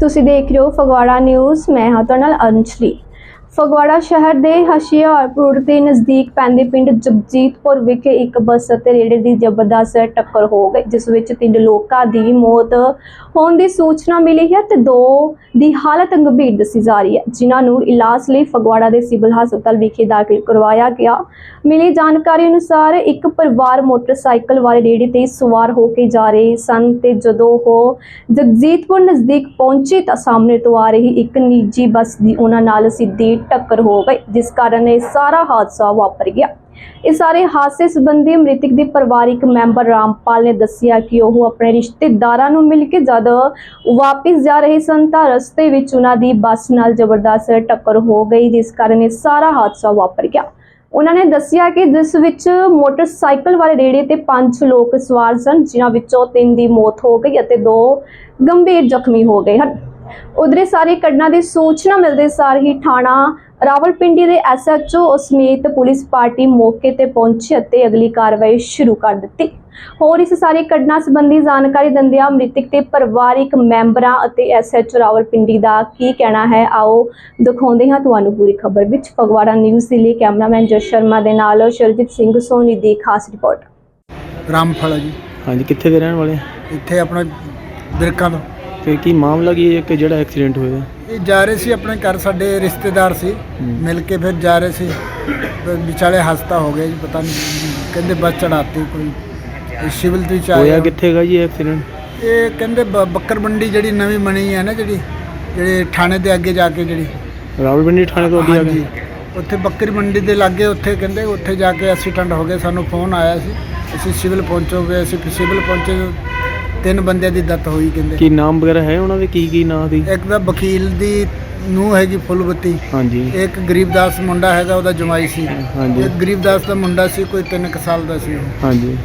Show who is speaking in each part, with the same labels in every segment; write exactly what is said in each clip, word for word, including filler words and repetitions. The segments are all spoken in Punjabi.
Speaker 1: ਤੁਸੀਂ ਦੇਖ ਰਹੇ ਹੋ ਫਗਵਾੜਾ ਨਿਊਜ਼। ਮੈਂ ਹਾਂ ਤੁਹਾਡੇ ਨਾਲ ਅੰਜਲੀ। ਫਗਵਾੜਾ ਸ਼ਹਿਰ ਦੇ ਹੁਸ਼ਿਆਰਪੁਰ ਦੇ ਨਜ਼ਦੀਕ ਪੈਂਦੇ ਪਿੰਡ ਜਗਜੀਤਪੁਰ ਵਿਖੇ ਇੱਕ ਬੱਸ ਅਤੇ ਰੇੜੇ ਦੀ ਜ਼ਬਰਦਸਤ ਟੱਕਰ ਹੋ ਗਈ, ਜਿਸ ਵਿੱਚ ਤਿੰਨ ਲੋਕਾਂ ਦੀ ਮੌਤ ਹੋਣ ਦੀ ਸੂਚਨਾ ਮਿਲੀ ਹੈ ਤੇ ਦੋ ਦੀ ਹਾਲਤ ਗੰਭੀਰ ਦੱਸੀ ਜਾ ਰਹੀ ਹੈ, ਜਿਨ੍ਹਾਂ ਨੂੰ ਇਲਾਜ ਲਈ ਫਗਵਾੜਾ ਦੇ ਸਿਵਲ ਹਸਪਤਾਲ ਵਿਖੇ ਦਾਖਲ ਕਰਵਾਇਆ ਗਿਆ। ਮਿਲੀ ਜਾਣਕਾਰੀ ਅਨੁਸਾਰ ਇੱਕ ਪਰਿਵਾਰ ਮੋਟਰਸਾਈਕਲ ਵਾਲੇ ਰੇੜੇ ਤੇ ਸਵਾਰ ਹੋ ਕੇ ਜਾ ਰਹੇ ਸਨ ਤੇ ਜਦੋਂ ਉਹ ਜਗਜੀਤਪੁਰ ਨਜ਼ਦੀਕ ਪਹੁੰਚੇ ਤਾਂ ਸਾਹਮਣੇ ਤੋਂ ਆ ਰਹੀ ਇੱਕ ਨਿੱਜੀ ਬੱਸ ਦੀ ਉਹਨਾਂ ਨਾਲ ਸਿੱਧੀ टक्कर हो गई, जिस कारण यह सारा हादसा वापर गया। इस सारे हादसे संबंधी मृतक के परिवारिक मैंबर रामपाल ने दसिया कि वह अपने रिश्तेदारां नूं मिल के जद वापस जा रहे सन तां रस्ते विच उन्हां दी बस नाल जबरदस्त टक्कर हो गई, जिस कारण यह सारा हादसा वापर गया। उन्होंने दसिया कि जिस विच मोटरसाइकिल वाले रेड़े ते पांच लोग सवार सन, जिन्हां विचों तीन दी मौत हो गई अते दो गंभीर जख्मी हो गए हैं। उधर सारी घटना की सूचना मिलते सार ही थाणा रावलपिंडी के एस एच ओ समेत पुलिस पार्टी मौके पर पहुंची और अगली कार्रवाई शुरू कर दी। होर इस सारी घटना संबंधी जानकारी दिंदियां मृतक के परिवारिक मैंबरां अते एस एच ओ रावलपिंडी का की कहना है, आओ दिखाते हैं तुहानूं पूरी खबर विच। फगवाड़ा न्यूज़ के लिए कैमरामैन जस शर्मा के नाल शरजीत सिंह सोनी की खास रिपोर्ट।
Speaker 2: रामफल जी।
Speaker 3: हाँ जी, कित्थे दे रहने वाले?
Speaker 2: इत्थे अपना बिरकां तो
Speaker 3: ਤੇ ਕੀ ਮਾਮਲਾ ਕੀ ਹੈ ਕਿ ਜਿਹੜਾ ਐਕਸੀਡੈਂਟ ਹੋਇਆ?
Speaker 2: ਇਹ ਜਾ ਰਹੇ ਸੀ ਆਪਣੇ ਘਰ, ਸਾਡੇ ਰਿਸ਼ਤੇਦਾਰ ਸੀ, ਮਿਲ ਕੇ ਫਿਰ ਜਾ ਰਹੇ ਸੀ, ਵਿਚਾਲੇ ਹਸਤਾ ਹੋ ਗਿਆ ਜੀ, ਪਤਾ ਨਹੀਂ ਕਹਿੰਦੇ ਬੱਸ ਚੜਾਤੀ ਕੋਈ ਸਿਵਲ ਤੋਂ ਚਾਹ
Speaker 3: ਹੋਇਆ ਕਿੱਥੇਗਾ ਜੀ ਐਕਸੀਡੈਂਟ?
Speaker 2: ਇਹ ਕਹਿੰਦੇ ਬ- ਬੱਕਰ ਮੰਡੀ ਜਿਹੜੀ ਨਵੀਂ ਬਣੀ ਹੈ ਨਾ, ਜਿਹੜੀ ਜਿਹੜੇ ਥਾਣੇ ਦੇ ਅੱਗੇ ਜਾ ਕੇ, ਜਿਹੜੀ
Speaker 3: ਰਾਵਲਪਿੰਡੀ ਥਾਣੇ ਤੋਂ ਅੱਗੇ ਆ
Speaker 2: ਹਾਂਜੀ, ਉੱਥੇ ਬੱਕਰੀ ਮੰਡੀ ਦੇ ਲਾਗੇ, ਉੱਥੇ ਕਹਿੰਦੇ ਉੱਥੇ ਜਾ ਕੇ ਐਕਸੀਡੈਂਟ ਹੋ ਗਿਆ। ਸਾਨੂੰ ਫੋਨ ਆਇਆ ਸੀ, ਅਸੀਂ ਸਿਵਲ ਪਹੁੰਚੋਗੇ। ਅਸੀਂ ਸਿਵਲ ਪਹੁੰਚੇ, ਤਿੰਨ ਬੰਦਿਆਂ ਦੀ ਡੈਥ ਹੋਈ। ਕਹਿੰਦੇ
Speaker 3: ਕੀ ਨਾਮ ਵਗੈਰਾ ਹੈ ਉਹਨਾਂ ਦੇ? ਕੀ ਕੀ ਨਾਂ ਦੀ?
Speaker 2: ਇੱਕ ਤਾਂ ਵਕੀਲ ਦੀ ਨੂੰਹ ਹੈਗੀ ਫੁੱਲਬੱਤੀ,
Speaker 3: ਹਾਂਜੀ।
Speaker 2: ਇੱਕ ਗਰੀਬਦਾਸ ਮੁੰਡਾ ਹੈਗਾ, ਉਹਦਾ ਜਮਾਈ ਸੀ।
Speaker 3: ਹਾਂਜੀ।
Speaker 2: ਇੱਕ ਗਰੀਬਦਾਸ ਦਾ ਮੁੰਡਾ ਸੀ, ਕੋਈ ਤਿੰਨ ਕੁ ਸਾਲ ਦਾ ਸੀ।
Speaker 3: ਹਾਂਜੀ।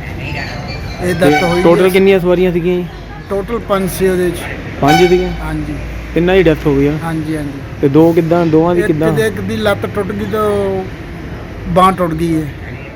Speaker 2: ਇਹ ਡੈਥ ਹੋਈ।
Speaker 3: ਟੋਟਲ ਕਿੰਨੀਆਂ ਸਵਾਰੀਆਂ ਸੀਗੀਆਂ ਜੀ?
Speaker 2: ਟੋਟਲ ਪੰਜ ਸੀ ਉਹਦੇ ਚ।
Speaker 3: ਪੰਜ ਸੀਗੀਆਂ?
Speaker 2: ਹਾਂਜੀ।
Speaker 3: ਤਿੰਨਾਂ ਦੀ ਡੈਥ ਹੋ ਗਈ ਆ?
Speaker 2: ਹਾਂਜੀ ਹਾਂਜੀ।
Speaker 3: ਤੇ ਦੋ ਕਿੱਦਾਂ? ਦੋਵਾਂ ਦੀ
Speaker 2: ਇੱਕ
Speaker 3: ਕਿੱਦਾਂ?
Speaker 2: ਦੇ ਇੱਕ ਦੀ ਲੱਤ ਟੁੱਟ ਗਈ ਤੇ ਬਾਂਹ ਟੁੱਟ ਗਈ ਹੈ।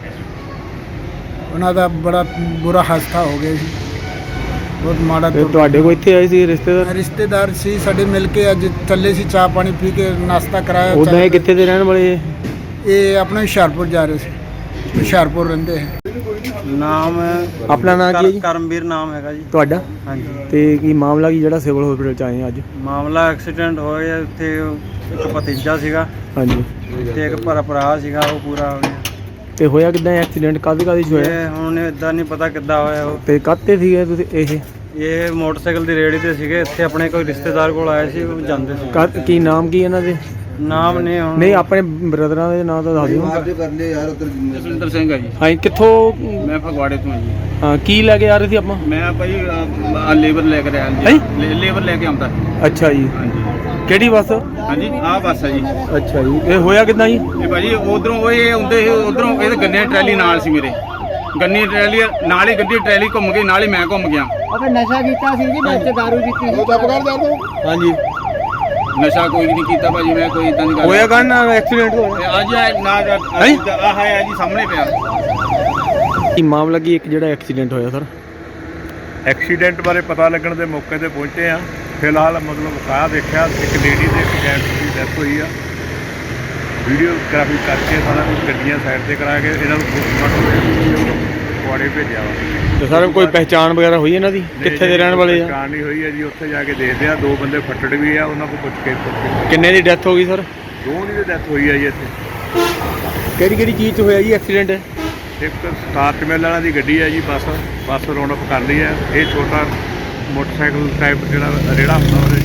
Speaker 2: ਉਹਨਾਂ ਦਾ ਬੜਾ ਬੁਰਾ ਹਾਦਸਾ ਹੋ ਗਿਆ ਸੀ, ਬਹੁਤ ਮਾੜਾ।
Speaker 3: ਤੇ ਤੁਹਾਡੇ ਕੋਲ ਇੱਥੇ ਆਏ ਸੀ ਰਿਸ਼ਤੇਦਾਰ?
Speaker 2: ਰਿਸ਼ਤੇਦਾਰ ਸੀ ਸਾਡੇ, ਮਿਲ ਕੇ ਅੱਜ ਚੱਲੇ ਸੀ, ਚਾਹ ਪਾਣੀ ਪੀ ਕੇ ਨਾਸ਼ਤਾ ਕਰਾਇਆ।
Speaker 3: ਉਦਾਂ ਇਹ ਕਿੱਥੇ ਦੇ ਰਹਿਣ ਵਾਲੇ?
Speaker 2: ਇਹ ਆਪਣਾ ਹੁਸ਼ਿਆਰਪੁਰ ਜਾ ਰਹੇ ਸੀ, ਹੁਸ਼ਿਆਰਪੁਰ ਰਹਿੰਦੇ ਹੈ।
Speaker 4: ਨਾਮ
Speaker 3: ਆਪਣਾ ਨਾਮ ਕੀ ਹੈ ਜੀ?
Speaker 4: ਕਰਮਵੀਰ ਨਾਮ ਹੈਗਾ ਜੀ।
Speaker 3: ਤੁਹਾਡਾ?
Speaker 4: ਹਾਂਜੀ।
Speaker 3: ਤੇ ਕੀ ਮਾਮਲਾ ਕੀ ਜਿਹੜਾ ਸਿਵਲ ਹਸਪੀਟਲ ਚ ਆਏ ਆ ਅੱਜ?
Speaker 4: ਮਾਮਲਾ ਐਕਸੀਡੈਂਟ ਹੋਇਆ ਉੱਥੇ, ਇੱਕ ਭਤੀਜਾ ਸੀਗਾ
Speaker 3: ਹਾਂਜੀ।
Speaker 4: ਤੇ ਇੱਕ ਭਰਾ ਭਰਾ ਸੀਗਾ, ਉਹ ਪੂਰਾ ਹੋ ਗਿਆ।
Speaker 3: ਤੇ ਹੋਇਆ ਕਿੱਦਾਂ ਐਕਸੀਡੈਂਟ? ਕਾਹਦੇ ਕਾਹਦੇ ਚ ਹੋਇਆ?
Speaker 4: ਇਹ ਹੁਣ ਇਦਾਂ ਨਹੀਂ ਪਤਾ ਕਿੱਦਾਂ ਹੋਇਆ। ਉਹ
Speaker 3: ਤੇ ਕਾਹਤੇ ਸੀਗੇ ਤੁਸੀਂ? ਇਹ
Speaker 4: ਇਹ ਮੋਟਰਸਾਈਕਲ ਦੀ ਰੇੜੀ ਤੇ ਸੀਗੇ, ਇੱਥੇ ਆਪਣੇ ਕੋਈ ਰਿਸ਼ਤੇਦਾਰ ਕੋਲ ਆਏ ਸੀ, ਉਹ ਜਾਂਦੇ ਸੀ।
Speaker 3: ਕਾ- ਕੀ ਨਾਮ ਕੀ ਇਹਨਾਂ ਦੇ?
Speaker 4: ਨਾਮ ਨੇ ਹੁਣ
Speaker 3: ਨਹੀਂ, ਆਪਣੇ ਬ੍ਰਦਰਾਂ ਦੇ ਨਾਮ ਤਾਂ ਦੱਸ ਦਿਓ।
Speaker 5: ਜਸਵਿੰਦਰ ਸਿੰਘ ਆ ਜੀ।
Speaker 3: ਹਾਂ, ਕਿੱਥੋਂ?
Speaker 5: ਮੈਂ ਫਗਵਾੜੇ ਤੋਂ ਆ ਜੀ।
Speaker 3: ਹਾਂ, ਕੀ ਲੈ ਕੇ ਆ ਰਹੇ ਸੀ ਆਪਾਂ?
Speaker 5: ਮੈਂ ਭਾਈ ਆ ਲੇਬਰ ਲੈ ਕੇ ਆਇਆ
Speaker 3: ਹੈਂ?
Speaker 5: ਜੀ, ਲੇਬਰ ਲੈ ਕੇ ਆਉਂਦਾ।
Speaker 3: ਅੱਛਾ ਜੀ।
Speaker 5: ਹਾਂਜੀ
Speaker 3: ਕਿਹੜੀ ਬੱਸ?
Speaker 5: ਹਾਂਜੀ, ਆਹ ਬੱਸ ਆ ਜੀ।
Speaker 3: ਅੱਛਾ ਜੀ। ਇਹ ਹੋਇਆ ਕਿੱਦਾਂ ਜੀ?
Speaker 5: ਇਹ ਭਾਜੀ ਉਧਰੋਂ ਉਹ ਇਹ ਆਉਂਦੇ ਸੀ, ਉਧਰੋਂ ਇਹ ਗੰਨੇ ਦੀ ਟਰੈਲੀ ਨਾਲ ਸੀ ਮੇਰੇ, ਗੰਨੇ ਦੀ ਟਰੈਲੀ ਨਾਲ ਹੀ, ਗੱਡੀ ਟਰੈਲੀ ਘੁੰਮ ਗਈ, ਨਾਲ ਹੀ ਮੈਂ ਘੁੰਮ ਗਿਆ।
Speaker 2: ਆਪਾਂ ਨਸ਼ਾ ਕੀਤਾ ਸੀ ਜੀ, ਵਿੱਚ ਦਾਰੂ ਪੀਤੀ ਸੀ।
Speaker 3: ਹਾਂਜੀ।
Speaker 5: ਨਸ਼ਾ ਕੋਈ ਨਹੀਂ ਕੀਤਾ ਭਾਜੀ, ਮੈਂ ਕੋਈ ਇਦਾਂ ਦੀ ਗੱਲ
Speaker 3: ਹੋਇਆ ਕਾਹਨ ਨਾਲ ਐਕਸੀਡੈਂਟ ਹੋਇਆ?
Speaker 5: ਅੱਜ ਆ ਨਾ ਆਹ ਹੈ ਜੀ ਸਾਹਮਣੇ ਪਿਆ।
Speaker 3: ਕੀ ਮਾਮਲਾ ਕੀ ਇੱਕ ਜਿਹੜਾ ਐਕਸੀਡੈਂਟ ਹੋਇਆ ਸਰ?
Speaker 6: ਐਕਸੀਡੈਂਟ ਬਾਰੇ ਪਤਾ ਲੱਗਣ ਦੇ ਮੌਕੇ ਤੇ ਪਹੁੰਚੇ ਆ। ਫਿਲਹਾਲ ਮਤਲਬ ਕਾਹ ਦੇਖਿਆ, ਇੱਕ ਲੇਡੀ ਤੇ ਇੱਕ ਜੈਂਟਸ ਦੀ ਡੈਥ ਹੋਈ ਆ। ਵੀਡੀਓਗ੍ਰਾਫੀ ਕਰਕੇ ਸਾਰਾ ਕੁਝ ਗੱਡੀਆਂ ਸਾਈਡ ਤੇ ਕਰਾ ਕੇ ਇਹਨਾਂ ਨੂੰ ਪੋਸਟਮਾਰਟਮ ਕੁਆੜੇ ਭੇਜਿਆ ਵਾ।
Speaker 3: ਤੇ ਸਰ ਕੋਈ ਪਹਿਚਾਣ ਵਗੈਰਾ ਹੋਈ ਇਹਨਾਂ ਦੀ? ਕਿੱਥੇ ਦੇ ਰਹਿਣ ਵਾਲੇ ਆ?
Speaker 6: ਪਹਿਚਾਣ ਨਹੀਂ ਹੋਈ ਹੈ ਜੀ, ਉੱਥੇ ਜਾ ਕੇ ਦੇਖਦੇ ਆ। ਦੋ ਬੰਦੇ ਫੱਟੜ ਵੀ ਆ, ਉਹਨਾਂ ਕੋਲ ਪੁੱਛ ਕੇ ਪੁੱਛ
Speaker 3: ਕਿੰਨੇ ਦੀ ਡੈਥ ਹੋ ਗਈ ਸਰ?
Speaker 6: ਦੋ ਦੀ ਡੈਥ ਹੋਈ ਆ ਜੀ ਇੱਥੇ।
Speaker 3: ਕਿਹੜੀ ਕਿਹੜੀ ਚੀਜ਼ 'ਚ ਹੋਇਆ ਜੀ ਐਕਸੀਡੈਂਟ?
Speaker 6: ਇੱਕ ਸਟਾਰਟ ਮਿਲ ਵਾਲਾ ਦੀ ਗੱਡੀ ਹੈ ਜੀ, ਬੱਸ ਬੱਸ ਰੌਂਡ ਅਪ ਕਰ ਲਈ ਹੈ। ਇਹ ਛੋਟਾ ਮੋਟਰਸਾਈਕਲ ਟਾਈਪ ਜਿਹੜਾ ਰੇੜਾ ਹੁੰਦਾ ਉਹਦੇ